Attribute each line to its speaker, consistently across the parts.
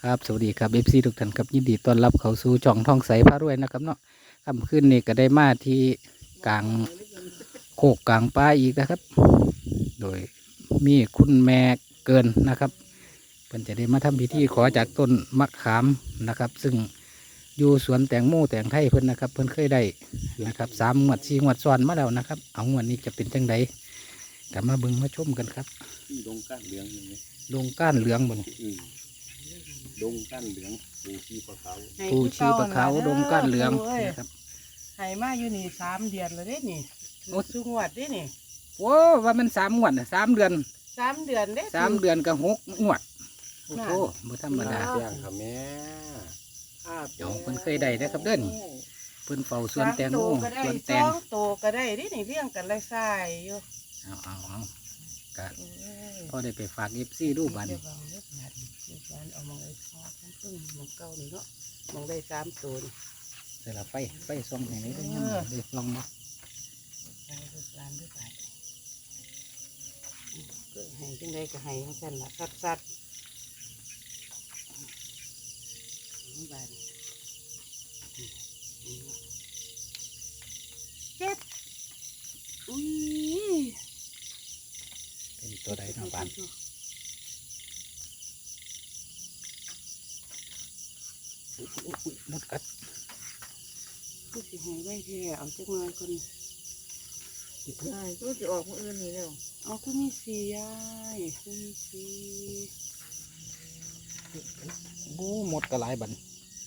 Speaker 1: ครับสวัสดีครับFCทุกท่านครับยินดีต้อนรับเข้าสู่ช่องท่องใสพารวยนะครับเนาะค่ำคืนนี้ก็ได้มาที่กลางโคกกลางป่าอีกนะครับโดยมีคุณแม่เกินนะครับเพิ่นจะได้มาทำพิธีขอจากต้นมะขามนะครับซึ่งอยู่สวนแตงโมแตงไทยเพิ่นนะครับเพิ่นเคยได้นะครับ3 งวด 4 งวดซ้อนมาแล้วนะครับเอางวดนี้จะเป็นจังไดกลับมาเบิ่งมาชมกันครับ
Speaker 2: ดงก้านเหลืองนี่ไหม
Speaker 1: ดงก้านเหลืองบน
Speaker 2: ดงก้านเหลืองปูชีปลาขาว
Speaker 1: ปูชีปลาขาวดงก้านเหลืองนะครับ
Speaker 3: ให้มาอยู่นี่3 เดือนแล้วเด้นี่โอ้สุงวดเด้นี่
Speaker 1: โอ้ว่ามัน3 งวดน่ะ3 เดือน
Speaker 3: 3 เดือนเด้
Speaker 1: 3 เดือนกับ6 งวดโอ้โหบ่ธรรมดา
Speaker 2: เปียงค่ะแม่
Speaker 1: เดี๋ยวเพิ่นเคยได้นะครับเด้อนี่เพิ่นเฝ้าสวนแตงโมสวนแตง
Speaker 3: 2 โตก็ได้เด้นี่เลี้ยงกันไล่ทรายอยู่
Speaker 1: เอาก็พอได้ไปฝาก FC ดูบัดนี้
Speaker 3: เอามองไอ้พ่อทั้งพึ่งมองเก่านี่เนาะมองได้3 ตัวนี่
Speaker 1: ใส่ละไฟส่องให้นี่ได้ยังได้ส่องบ่
Speaker 3: ได้ลูกหลานด้วยไปก็ให้จังไดก็ให้จังซั่นล่ะสัดบาดเจ็บอุ้ย
Speaker 1: เป็นตัวใดเนาะบานมดกัด
Speaker 3: ผู้สิให้ไว้แท้เอาจักหน่อยก่อน
Speaker 4: ใช่ตัวจะออกมืออื่นนี่แล้ว
Speaker 3: เอาคือมีสียายคือมีสี
Speaker 1: บูมดก็หลายบัด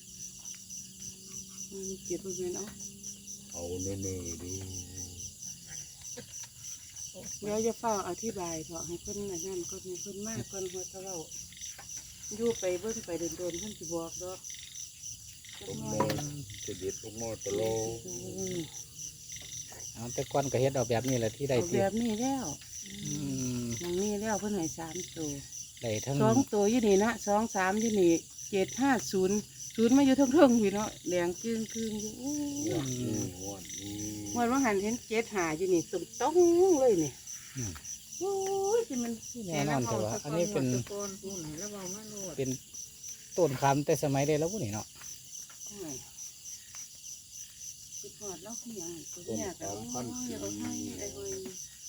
Speaker 3: มันมีเจ็ดบริเวณ
Speaker 2: เอาเน่ๆดู
Speaker 3: เดี๋ยวจะเฝ้าอธิบายเถอะให้เพิ่นนั่นก่อนให้เพิ่นมากก่อนหัวตะเล่าอยู่ไปเบิ่งไปโดนเพิ่นสิบอกดอกจัก
Speaker 2: ต้ม
Speaker 3: หน่
Speaker 2: โม
Speaker 3: อย
Speaker 2: จะเด็ดต้มโมตะโล
Speaker 1: เอาแต่ก่อนก็เฮ็ดเอาแบบนี้แหละที่ได้
Speaker 3: เอา
Speaker 1: ที่
Speaker 3: แบบนี้แล้ว
Speaker 1: อืม
Speaker 3: มันนี่แล้วเพิ่นให้3 ตัว
Speaker 1: ได้ทั้ง
Speaker 3: 2 ตัวอยู่นี่นะ2 3อยู่นี่7 5 0 มาอยู่เทิงๆพี่เนาะแดงจึ้งอยู่โอ้ย
Speaker 2: งวดนี้
Speaker 3: เมื่อวันหันเห็น7 5อยู่นี่ตรงต้องเลยนี่
Speaker 1: อืม
Speaker 3: โอ้ยสิมัน
Speaker 1: แน่นอนแต่ว่าอันนี้เป็น
Speaker 4: ตะโกนพูดแล้วบอกมาโลด
Speaker 1: เป็นต้นคำแต่สมัยได้แล้วพวกนี้เนาะ
Speaker 3: คือพอดแล้วคืออย่างตัว
Speaker 2: ต้น
Speaker 3: เนี่ยแต่
Speaker 2: สามพันปี
Speaker 3: อย่าเอาให้ไอ้เว้ย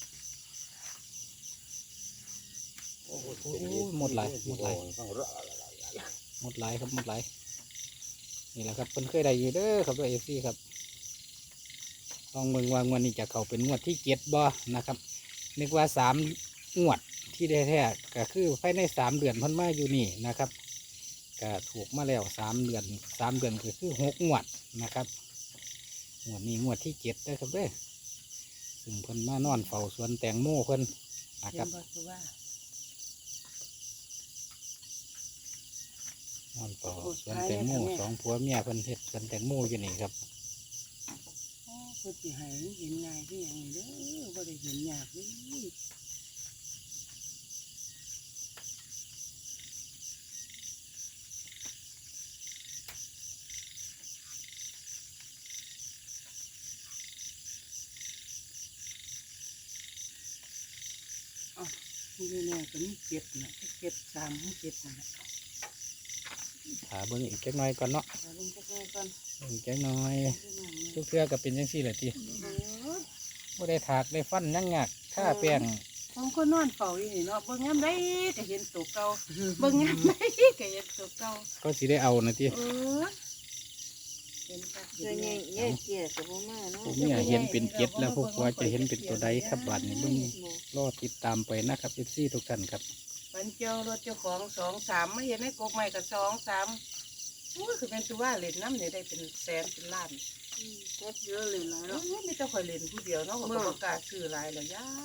Speaker 2: โอ้โห
Speaker 1: หมดหลายครับหมดหลาย
Speaker 2: ต้อง
Speaker 1: หมดหลายนี่แหละครับเพิ่นเคยได้อยู่เด้อครับด้วยFCครับลองเบิ่งว่างวดนี้จะเข้าเป็นงวดที่7บ่นะครับนึกว่า3 งวดที่ได้แท้ก็คือภายใน3 เดือนเพิ่นมาอยู่นี่นะครับก็ถูกมาแล้ว3 เดือนก็คือ6 งวดนะครับงวดนี้งวดที่7เด้อครับเด้อซึ่งเพิ่นมานอนเฝ้าสวนแตงโมเพิ่นนะค
Speaker 3: เห็
Speaker 1: รับ
Speaker 3: นบ่คือว่าน
Speaker 1: อนเฝ้าสวนแตงโม2 ผัวเมียเพิ่นเฮ็ดสวนแตงโมอยู่นี่ครับ
Speaker 3: โอ้เพิ่นสิให้เห็นง่ายคือหยังนี่เด้อบ่ได้เห็นยากเลยอ้าวนี่แน่ๆก็มี7น่ะ7 3 7นั่นแหละ
Speaker 1: ถาเบิ่งอีกจักหน่อยก่อนเนาะ
Speaker 3: เอาลงจักหน่อยก่อน
Speaker 1: เบิ่งจักหน่อย
Speaker 3: เอาลงมา
Speaker 1: ทุกเทื่อก็เป็นจังซี่แหละติ
Speaker 3: โอ้ย
Speaker 1: บ่ได้ถากได้ฟันหยังยากค่าแป้ง
Speaker 3: ผมก็นอนเฝ้าอยู่นี่เนาะเบิ่งยามใดก็เห็นตัวเก่าเบิ่งยามใดก็เห็นตัวเก่า
Speaker 1: ก็สิได้เอานะติ
Speaker 3: เออเห็นคัก
Speaker 4: เจอไงเงี้ยเจี๊ยกับพ่อมาเนาะ
Speaker 1: ผมเนี่ยเห็นเป็น7แล้วพวกว่าจะเห็นเป็นตัวใดครับบัดนี้เบิ่งรอติดตามไปนะครับ FC ทุกท่านครับ
Speaker 3: ปันเจ้ารถเจ้าของ2 3มาเห็นในกกใหม่ก็2 3โอ้ยคือเป็นตัวว่าเล่นน้ำเนี่ยได้เป็นแสนเป็นล้าน
Speaker 4: ก็เยอะเลยนะ
Speaker 3: เอ
Speaker 4: เนาะ
Speaker 3: อไม่ต้องคอยเล่นผู้เดียวเนาะก็บ่กล้าซื้อหลายแล้วยาย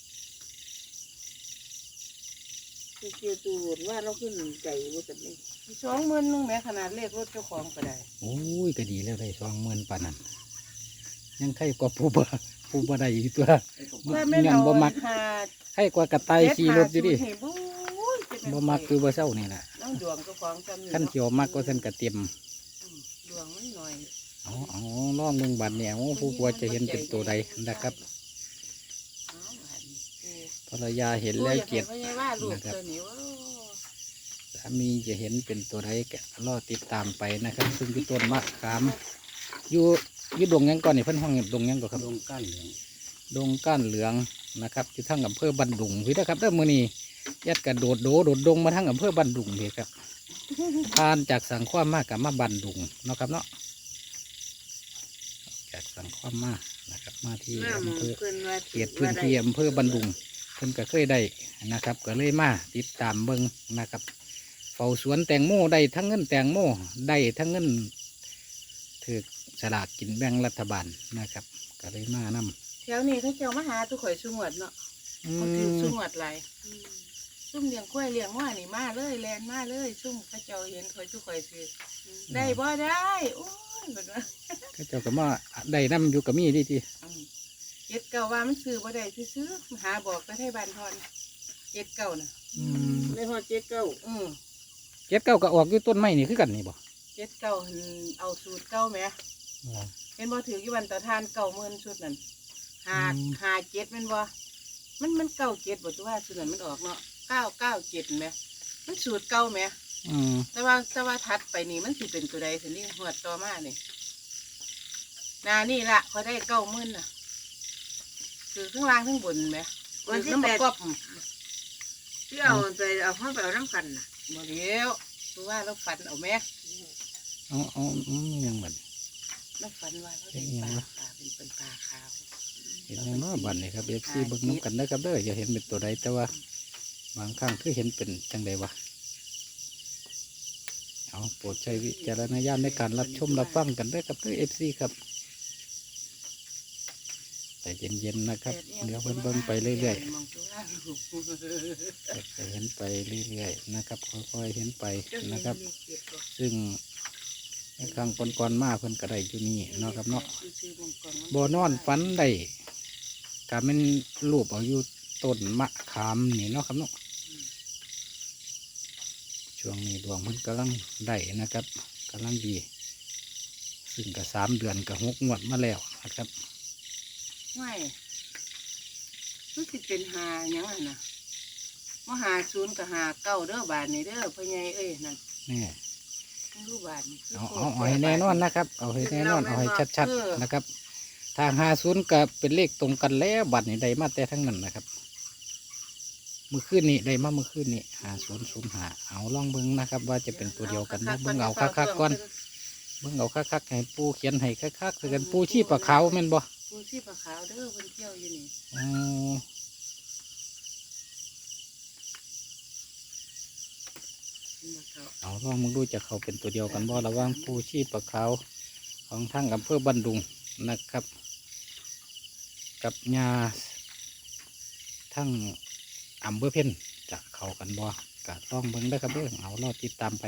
Speaker 4: คือเจียตูดว่าเราขึ้นใจว่ากันนี่
Speaker 3: 20,000นึงแม้ขนาดเลขรถเจ้าของก็ได้
Speaker 1: โอ้ยก็ดีแล้วได้20,000ปานนั้นยังใครกว่าผู้บ่ได้อีกตัว
Speaker 3: ว่าแม่น
Speaker 1: ยั
Speaker 3: เอา
Speaker 1: บ่มัก
Speaker 3: หา
Speaker 1: ใครกว่ากระต่ายขี่รถอยู่ดิ
Speaker 3: เจ็5 0นี่บู๊ยจะเป็น
Speaker 1: บ่มักคือบ่เศร้านี่น่ะ
Speaker 3: น้องดวงเจ้าของจำนี่
Speaker 1: คัน
Speaker 3: เนาะ
Speaker 1: เขียวมักก็เพิ่นก็เต็ม
Speaker 3: ดวงมันหน่อย
Speaker 1: เอาลองเบิ่งบัดเนี่ยโอ้ผู้กลัวจะเห็นเป็นตัวใดนะครับ
Speaker 3: เอาบาดนี้
Speaker 1: ภรรยาเห็นแล้วเกียรติ
Speaker 3: โอ้ยอยากให้พ่อใหญ่ว่าลูก
Speaker 1: นะครับ
Speaker 3: ตัวนี้ว่า
Speaker 1: แสสามีจะเห็นเป็นตัวใดก็รอติดตามไปนะครับ ซึ่งที่ต้นมะขามอยู่ดงหยังก่อนนี่เพิ่นห้องดงหยังก่อนครับ
Speaker 2: ดงก้านเหลือง
Speaker 1: ดงก้านเหลืองนะครับอยู่ทั้งอำเภอบันดุงพี่นะครับเด้อมื้อนี้ยัดกระโดดดงมาทั้งอำเภอบันดุงพี่ครับ ผ่านจากสังขวามากกับมาบันดุงเนาะครับเนาะจากสังขวามมานะครับ มาที่
Speaker 4: หน้าหมอ
Speaker 1: อำเภอ
Speaker 4: เพิ่นว่า
Speaker 1: เขตพื้นที่อำเภอบันดุงเพิ่นก็เคยได้นะครับ ก็เลยมาติดตามเบิ่งนะครับเฝ้าสวนแตงโมได้ทั้งเงินแตงโมได้ทั้งเงินถือสลากกินแบ่งรัฐบาลนะครับ ก็เลยมานำ
Speaker 3: แถวนี้เขาเจ้ามาหาตุข่อยสุงวดเนาะเขาถือสุงวดหลายซุ่มเลี้ยงกล้วยเลี้ยงว่านี่มาเลยแลนมาเลยซุ่มเขาเจ้าเห็นข่อยตุข่อยถือได้บ่ได้โอ้ยแบบว่า
Speaker 1: ก็เจ้าก็มาได้น้ำอยู่กับมีดีที
Speaker 3: เจ็ดเก่าว่ามันซื้อบ่ได้ซื้อๆหาบอกไปให้บ้านทอนเจ็ดเก่าน่ะ
Speaker 4: ในฮอดเจ็ดเก้า
Speaker 1: เจ็ดเก้าก็ออกอยู่ต้นไม้นี่คือกันนี่บ่
Speaker 3: เจ็ดเก่าหั่นเอาสูตรเก่าแหมเห็นบ่ถือกี่วันต่อทาน90,000ชุดนั่นหาเจ็ดแม่นบ่มันเก่าเจ็ดบ่ตัวว่าชุดนั้นมันออกเนาะ997แหมมันสูตรเก่าแหม แต่ว่าทัดไปนี่มันสิเป็นตัวใดสินี่หัวดต่อมานี่นานี่ละเขาได้90,000น่ะคือข้างล่างข้างบนไหม
Speaker 4: วันที่
Speaker 3: น้ำ
Speaker 4: แป
Speaker 3: มัน
Speaker 4: ด
Speaker 3: กรอบ
Speaker 4: ที่เอาไปเอาห้องไปเอาน้ำกันน่ะ
Speaker 3: บ่เดียวคือว่าเราฝันเอาแม่
Speaker 1: เอายังบัด
Speaker 3: เราฝันว่าเราได้ปลาเป็นปลาขาว
Speaker 1: เห็นยังเนาะบัดนี่ครับเอฟซีเบิ่งน้ำกันได้อครับเด้ออย่าเห็นเป็นตัวใดแต่ว่าบางครั้งคือเห็นเป็นจังใดวะเอาโปรดใช้วิจารณญาณในการรับชมรับฟังกันเด้อครับเด้อเอฟซีครับแต่เย็นๆนะครับเดี๋ยวเบิ่งไปเรื่อย
Speaker 3: มองตัวว่า
Speaker 1: ๆจะเห็นไปเรื่อยๆนะครับค่อยๆเห็นไป
Speaker 4: เจ้า
Speaker 1: นะครับ
Speaker 4: เห็นเลขเจ็ดบ่
Speaker 1: ซึ่งในครั้งก่อนๆมาเพิ่นก็ได้อยู่นี่เนาะครับเนาะ
Speaker 3: ซื้อๆมองก่อน
Speaker 1: บ่นอนฝันได้ก็เป็นรูปเอาอยู่ต้นมะขามนี่เนาะครับเนาะช่วงนี้ดวงมันกำลังได้นะครับกำลังดี ซึ่งก็3 เดือนก็6 งวดมาแล้วนะครับ
Speaker 3: ไม่รู้สิเป็นหาหยังไงนะมาหา0กับหา9เด้อบาทนี่เด้อพ่อใหญ่เอ้ยนั่น
Speaker 1: นี่
Speaker 3: รู้บาทนี่คือ
Speaker 1: เอาให้แน่นอนนะครับ เอาให้แน่นอนเอาให้ชัดๆนะครับ ทาง50ก็เป็นเลขตรงกันแล้วบัตรนี่ได้มาแต่ทั้งนั้นนะครับเมื่อคืนนี้ได้มาเมื่อคืนนี้5005เอาลองเบิ่งนะครับ ว่าจะเป็นตัวเดียวกันบ่เบิ่งเอาคักๆก่อนเบิ่งเอาคักๆให้ปูเขียนให้คักๆคือกันปูชีพปลาขาวแม่นบ่
Speaker 3: ปูชีพขาวเด้อเพิ่นเที่ยวอยู่นี่
Speaker 1: อ๋อ
Speaker 3: เพิ่นมาเขา
Speaker 1: เอาลองมึงดูจะเขาเป็นตัวเดียวกันบ่ระหว่างปูชีพปลาขาวของทางอำเภอบันดุงนะครับ กับยาทั้งอำเภอเพ็ญจะเข้ากันบ่กะต้องเบิ่งได้อครับเด้อเอารอติดตามไป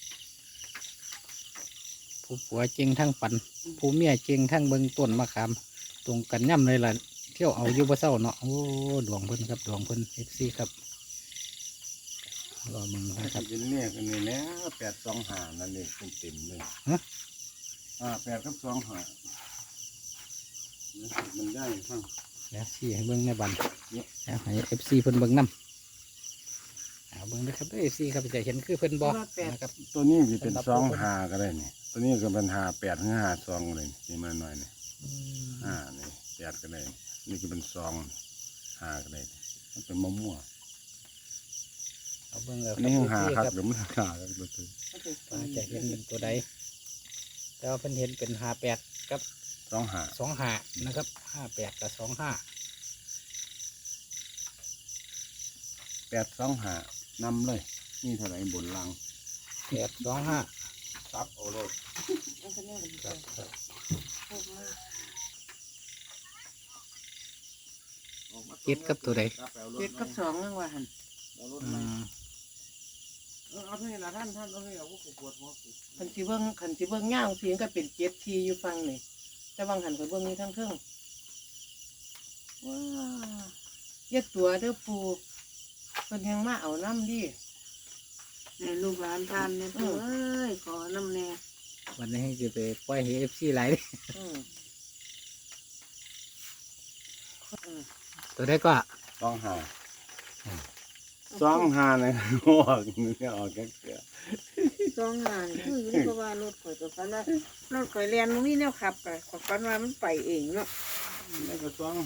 Speaker 1: ผู้ผัวเจงทั้งปัน ผู้เมียเจงทั้งเบิ่งต้นมะขามตรงกันย่ำเลยล่ะเที่ยวเอาอยู่บ่เศร้าเนาะโอ้ดวงเพิ่นครับดวงเพิ่นเอฟซีครับรอมึงนะครับ
Speaker 2: เป็นเนี่ยกันนี่แหล้ว825นั่นเองเต็มๆเลย
Speaker 1: ฮะ
Speaker 2: 8กับ25มันได้ฟัง
Speaker 1: เดี๋ยวซี่ให้เบิ่งในบัน
Speaker 2: เนี่ย
Speaker 1: แล้วให้เอฟซีเพิ่นเบิ่งนํเอาเบิ่งนะครับเอฟซีครับจะเห็นคือเพิ่นบ่นะครับ
Speaker 2: ตัวนี้จะเป็น25ก็ได้นี่ตัวนี้ก็เป็น58หรือ52ก็ได้นี่มาหน่อยนี่นี่8ก็ได้นี่ก็เป็น5ก็ได้มันเป็นมะม่วง
Speaker 1: เอาเบิ่งแล้ว
Speaker 2: อันนี้
Speaker 1: ครับ
Speaker 2: 5ครับ
Speaker 1: ครับ
Speaker 2: หรือมัน5ครับตัวตัว
Speaker 1: ว่าจะเห็นเป็นตัวใดแต่ว่าเพิ่นเห็นเป็น58กับ
Speaker 2: 25
Speaker 1: 25นะครับ58กับ25
Speaker 2: 825นำเลยนี่เท่าไหร่บนลัง
Speaker 1: 825
Speaker 2: ซับเอาเลย
Speaker 3: อันก็แน่เป็น
Speaker 1: ครับครับ
Speaker 3: โอ้มา
Speaker 1: เจ็ดกับตัวใด
Speaker 3: เจ็ดกับ2นั่งว่าหั่น
Speaker 1: อืม
Speaker 2: เอาเท่านี้ละท่านเอาเท่านี้เอาพวกปวดหัว
Speaker 3: คันสิเบิ่งย่างสิมันก็เป็น7ทีอยู่ฟังนี่แต่บางหันก็เบิ่งนี่ทั้งเทิงว้าอย่าตัวเด้อปูเพิ่นยังมาเอาน้ำดิ
Speaker 4: ในลูกหลานทานเนี่ยเอ้ยขอน้ำแน่
Speaker 1: วันนี้จะไปปล่อยให้เอฟซีไหลายเด้
Speaker 3: อืม
Speaker 1: ตัวได้ก็
Speaker 2: ต้องหาสองหาเนี่ยออกนี่ออกแค่เกลือ
Speaker 4: สองหานคืออยู่นี่ก็ว่ารถข่อยก็ฝันว่ารถข่อยเรียนมันมีแนวขับก็ข่อยฝันว่ามันไปเองเนาะ
Speaker 2: แล้วก็สอง